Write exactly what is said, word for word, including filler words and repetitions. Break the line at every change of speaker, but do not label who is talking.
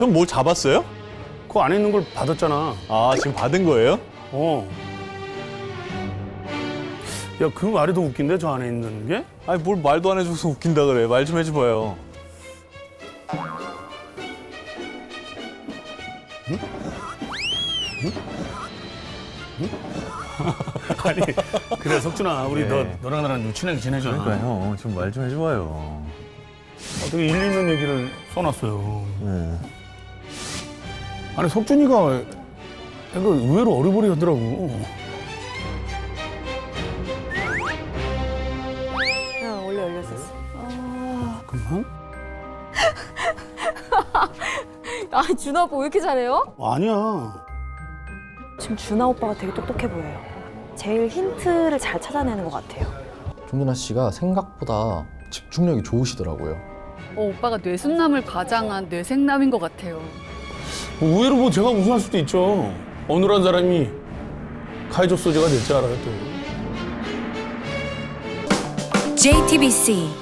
형 뭘 잡았어요?
그 안에 있는 걸 받았잖아.
아, 지금 받은 거예요?
어. 야, 그 말이 더 웃긴데, 저 안에 있는 게?
아니, 뭘 말도 안 해줘서 웃긴다 그래. 말 좀 해줘봐요.
아니, 그래, 석준아. 우리
네.
너, 너랑 나랑 좀 친하게 지내자.
그러니까 형, 좀 말 좀 해줘봐요.
어떻게 일리 있는 얘기를 써놨어요.
네.
아니, 석준이가 약간 의외로 어리버리 하더라고.
아, 원래 열렸었어.
잠깐만.
아, 준하 오빠 왜 이렇게 잘해요?
아니야.
지금 준하 오빠가 되게 똑똑해 보여요. 제일 힌트를 잘 찾아내는 것 같아요.
정준하 씨가 생각보다 집중력이 좋으시더라고요.
어, 오빠가 뇌순남을 과장한 뇌생남인 것 같아요.
의외로 뭐 제가 우승할 수도 있죠. 어느한 사람이 카이조 소재가 될 줄 알아요, 또.
제이티비씨